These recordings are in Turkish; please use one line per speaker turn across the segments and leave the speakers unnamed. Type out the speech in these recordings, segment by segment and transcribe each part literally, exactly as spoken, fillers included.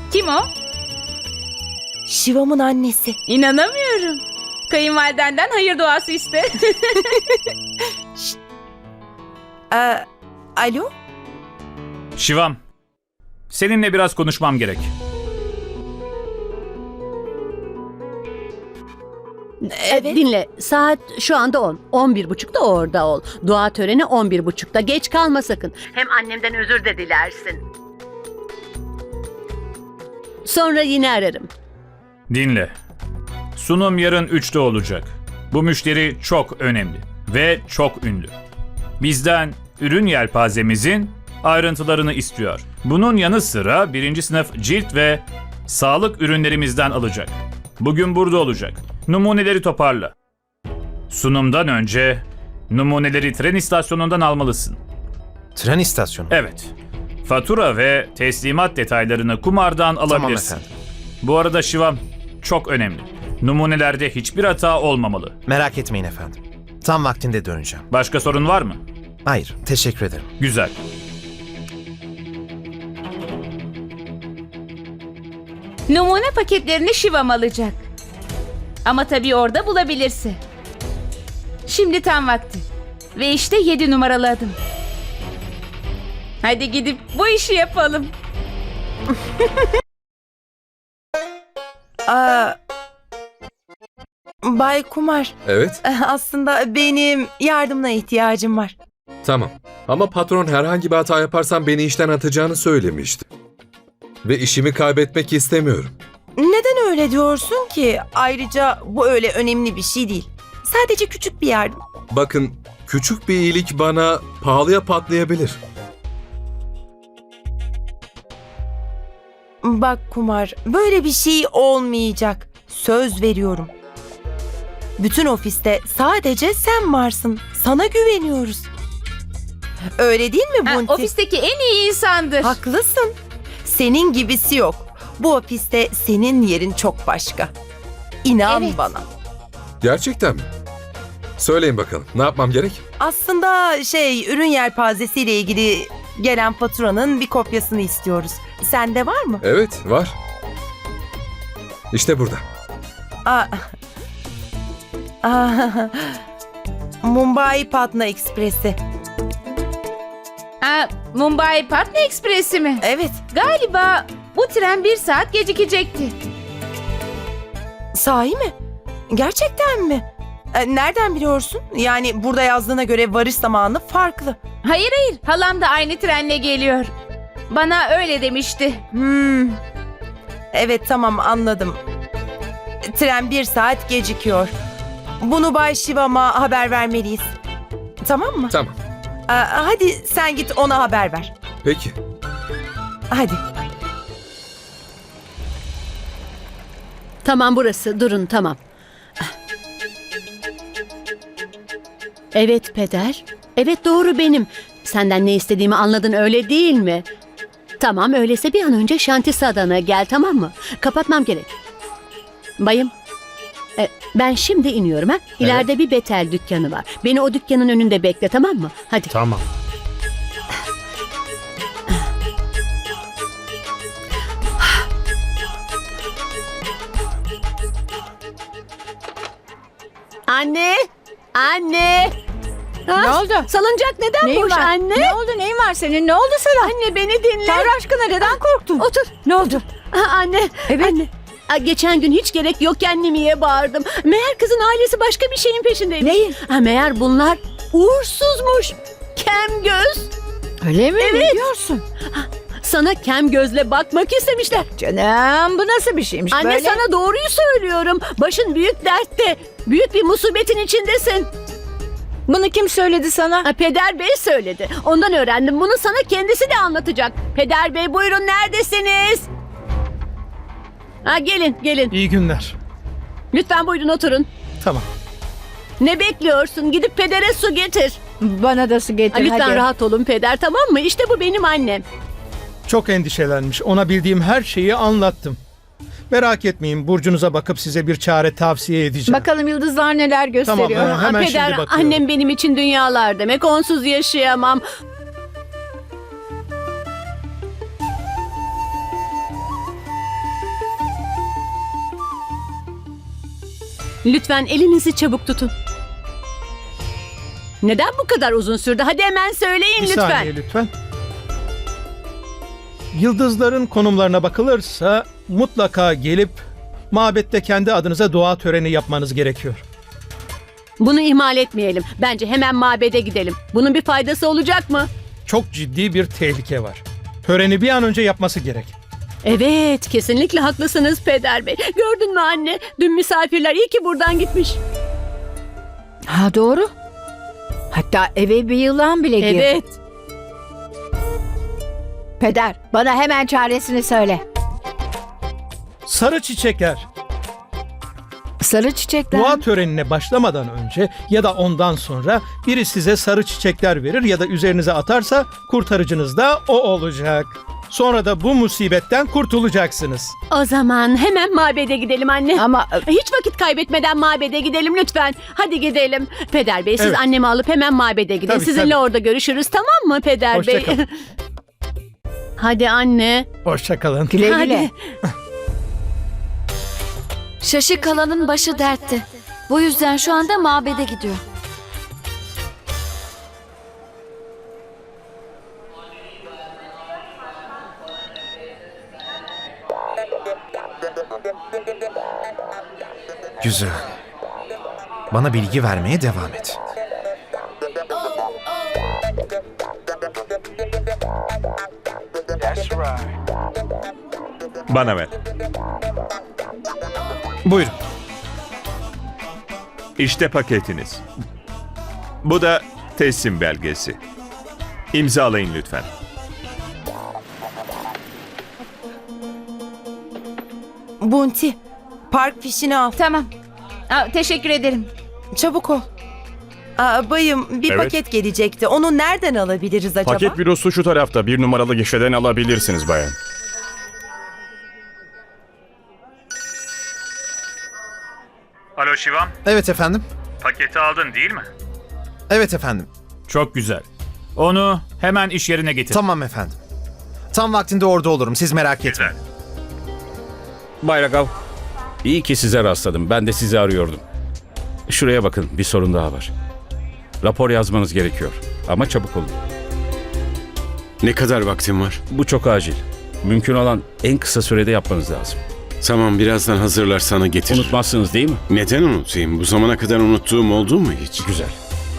Kim o?
Şivam'ın annesi.
İnanamıyorum. Kayınvalidenden hayır duası iste.
Ee, alo?
Şivam, seninle biraz konuşmam gerek.
Evet.
Dinle, saat şu anda on. On bir buçukta orada ol. Dua töreni on bir buçukta. Geç kalma sakın. Hem annemden özür de dilersin. Sonra yine ararım.
Dinle. Sunum yarın üçte olacak. Bu müşteri çok önemli ve çok ünlü. Bizden ürün yelpazemizin ayrıntılarını istiyor. Bunun yanı sıra birinci sınıf cilt ve sağlık ürünlerimizden alacak. Bugün burada olacak. Numuneleri toparla. Sunumdan önce numuneleri tren istasyonundan almalısın.
Tren istasyonu.
Evet. Fatura ve teslimat detaylarını kumardan alabilirsin.
efendim.
Bu arada Şivam, çok önemli. Numunelerde hiçbir hata olmamalı.
Merak etmeyin efendim. Tam vaktinde döneceğim.
Başka sorun var mı?
Hayır, teşekkür ederim.
Güzel.
Numune paketlerini Şivam alacak. Ama tabii orada bulabilirse. Şimdi tam vakti. Ve işte yedi numaralı adım. Hadi gidip bu işi yapalım.
Aa, Bay Kumar,
Evet,
aslında benim yardımına ihtiyacım var.
tamam. Ama patron herhangi bir hata yaparsam beni işten atacağını söylemişti. Ve işimi kaybetmek istemiyorum.
Neden öyle diyorsun ki? Ayrıca bu öyle önemli bir şey değil. Sadece küçük bir yardım.
Bakın, küçük bir iyilik bana pahalıya patlayabilir.
Bak Kumar, böyle bir şey olmayacak. Söz veriyorum. Bütün ofiste sadece sen varsın. Sana güveniyoruz. Öyle değil mi
Ha,
Bunti?
ofisteki en iyi insandır.
Haklısın. Senin gibisi yok. Bu ofiste senin yerin çok başka. İnan
Evet.
bana.
Gerçekten mi? Söyleyin bakalım, ne yapmam gerek?
Aslında şey, ürün yelpazesiyle ilgili gelen faturanın bir kopyasını istiyoruz. Sende var mı?
Evet, var. İşte burada.
Aa. Aa. Mumbai Patna Ekspresi.
Ha, Mumbai Patna Ekspresi mi?
Evet.
Galiba bu tren bir saat gecikecekti.
Sahi mi? Gerçekten mi? E, Nereden biliyorsun? Yani burada yazdığına göre varış zamanı farklı.
Hayır hayır, halam da aynı trenle geliyor. Bana öyle demişti.
Hmm. Evet, tamam, anladım. Tren bir saat gecikiyor. Bunu Bay Şivam'a haber vermeliyiz. Tamam mı?
Tamam,
Aa, hadi sen git ona haber ver.
peki.
Hadi.
Tamam burası. Durun tamam. Evet peder. Evet doğru benim. Senden ne istediğimi anladın öyle değil mi? Tamam öyleyse bir an önce Şantisadan'a gel tamam mı? Kapatmam gerek. Bayım. e, ben şimdi iniyorum ha. İleride bir Betel dükkanı var. Beni o dükkanın önünde bekle tamam mı? Hadi.
Tamam.
Anne! Anne! Ha?
Ne oldu?
Salıncak neden
Neyin
boş
var?
anne?
Ne oldu? Neyin var senin? Ne oldu sana?
Anne beni dinle.
Tanrı aşkına neden korktun?
Otur.
Ne oldu?
Ha, anne.
Evet.
Anne. Aa, geçen gün hiç gerek yok annemiye bağırdım. Meğer kızın ailesi başka bir şeyin peşindeymiş.
Neyin?
Ha, meğer bunlar uğursuzmuş. Kem göz.
Öyle mi?
Evet.
Ne diyorsun?
Sana kem gözle bakmak istemişler.
Canım bu nasıl bir şeymiş
Anne
böyle?
sana doğruyu söylüyorum. Başın büyük dertte. Büyük bir musibetin içindesin.
Bunu kim söyledi sana?
Ha, Peder Bey söyledi. Ondan öğrendim. Bunu sana kendisi de anlatacak. Peder Bey buyurun neredesiniz? Ha, gelin gelin.
İyi günler.
Lütfen buyurun oturun.
Tamam.
Ne bekliyorsun? Gidip pedere su getir.
Bana da su
Ha,
getir
lütfen
hadi.
rahat olun peder tamam mı? İşte bu benim annem.
Çok endişelenmiş. Ona bildiğim her şeyi anlattım. Merak etmeyin. Burcunuza bakıp size bir çare tavsiye edeceğim.
Bakalım yıldızlar neler gösteriyor.
Tamam,
Ha,
hemen
peder
şimdi bakıyorum.
annem benim için dünyalar demek. Onsuz yaşayamam. Lütfen elinizi çabuk tutun. Neden bu kadar uzun sürdü? Hadi hemen söyleyin
Bir
lütfen.
saniye lütfen. Yıldızların konumlarına bakılırsa mutlaka gelip mabette kendi adınıza dua töreni yapmanız gerekiyor.
Bunu ihmal etmeyelim. Bence hemen mabede gidelim. Bunun bir faydası olacak mı?
Çok ciddi bir tehlike var. Töreni bir an önce yapması gerek.
Evet, kesinlikle haklısınız Peder Bey. Gördün mü anne? Dün misafirler iyi ki buradan gitmiş.
Ha doğru. Hatta eve bir yılan bile girdi.
Evet.
Peder, bana hemen çaresini söyle.
Sarı çiçekler.
Sarı çiçekler.
Dua
mi?
törenine başlamadan önce ya da ondan sonra biri size sarı çiçekler verir ya da üzerinize atarsa kurtarıcınız da o olacak. Sonra da bu musibetten kurtulacaksınız.
O zaman hemen mabede gidelim anne.
Ama
Hiç vakit kaybetmeden mabede gidelim lütfen. Hadi gidelim. Peder Bey siz
Evet.
annemi alıp hemen mabede gidin.
Tabii,
Sizinle
tabii.
orada görüşürüz, tamam mı Peder
Hoşça
Bey?
kalın.
Hadi anne.
Hoşça kalın.
güle güle.
Hadi.
Şaşı kalanın başı dertte. Bu yüzden şu anda mabede gidiyor.
Güzel. Bana bilgi vermeye devam et.
Bana ver.
Buyurun.
İşte paketiniz. Bu da teslim belgesi. İmzalayın lütfen.
Bunti, park fişini al.
Tamam. Aa, teşekkür ederim.
Çabuk ol. Aa, bayım bir
Evet.
paket gelecekti. Onu nereden alabiliriz acaba?
Paket bürosu şu tarafta. Bir numaralı gişeden alabilirsiniz bayan.
Alo Şivam,
Evet efendim.
paketi aldın değil mi?
Evet efendim.
Çok güzel. Onu hemen iş yerine getir.
Tamam efendim. Tam vaktinde orada olurum. Siz merak etmeyin.
Güzel.
Bay Ragav, iyi ki size rastladım. Ben de sizi arıyordum. Şuraya bakın, bir sorun daha var. Rapor yazmanız gerekiyor. Ama çabuk olun.
Ne kadar vaktim var?
Bu çok acil. Mümkün olan en kısa sürede yapmanız lazım.
Tamam, birazdan hazırlar sana getiririm.
Unutmazsınız değil mi?
Neden unutayım? Bu zamana kadar unuttuğum oldu mu hiç?
Güzel.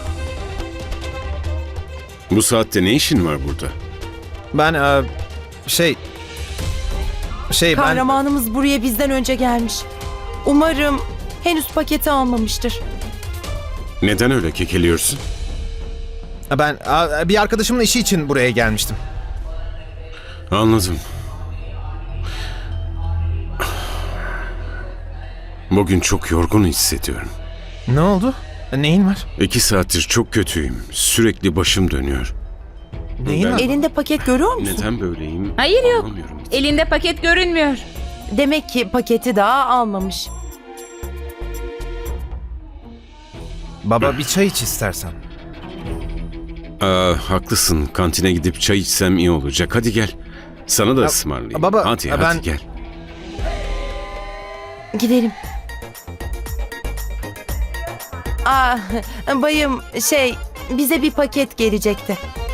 Bu saatte ne işin var burada?
Ben e, şey... Şey ben...
Kahramanımız buraya bizden önce gelmiş. Umarım henüz paketi almamıştır.
Neden öyle kekeliyorsun?
Ben e, bir arkadaşımın işi için buraya gelmiştim.
Anladım. Bugün çok yorgun hissediyorum.
Ne oldu? Neyin var?
İki saattir çok kötüyüm. Sürekli başım dönüyor.
Neyin
Ben-
var?
Elinde paket görüyor musun?
Neden böyleyim?
Hayır, yok.
Anlamıyorum hiç.
Elinde paket görünmüyor.
Demek ki paketi daha almamış.
Baba bir çay iç istersen.
Aa, haklısın. Kantine gidip çay içsem iyi olacak. Hadi gel. Sana da
Ya,
ısmarlayayım.
baba,
hadi,
ya
hadi
ben-
gel.
Gidelim. Aa, bayım şey bize bir paket gelecekti.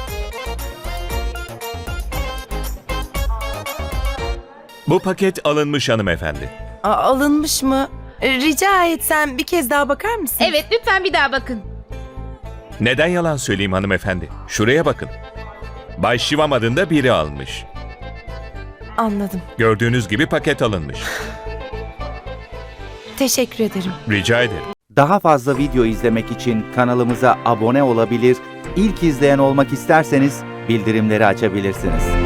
Bu paket alınmış hanımefendi.
Aa, alınmış mı? Rica etsem bir kez daha bakar mısın?
Evet, lütfen bir daha bakın.
Neden yalan söyleyeyim hanımefendi? Şuraya bakın. Bay Şivam adında biri almış.
Anladım.
Gördüğünüz gibi paket alınmış.
Teşekkür ederim.
Rica ederim.
Daha fazla video izlemek için kanalımıza abone olabilir, ilk izleyen olmak isterseniz bildirimleri açabilirsiniz.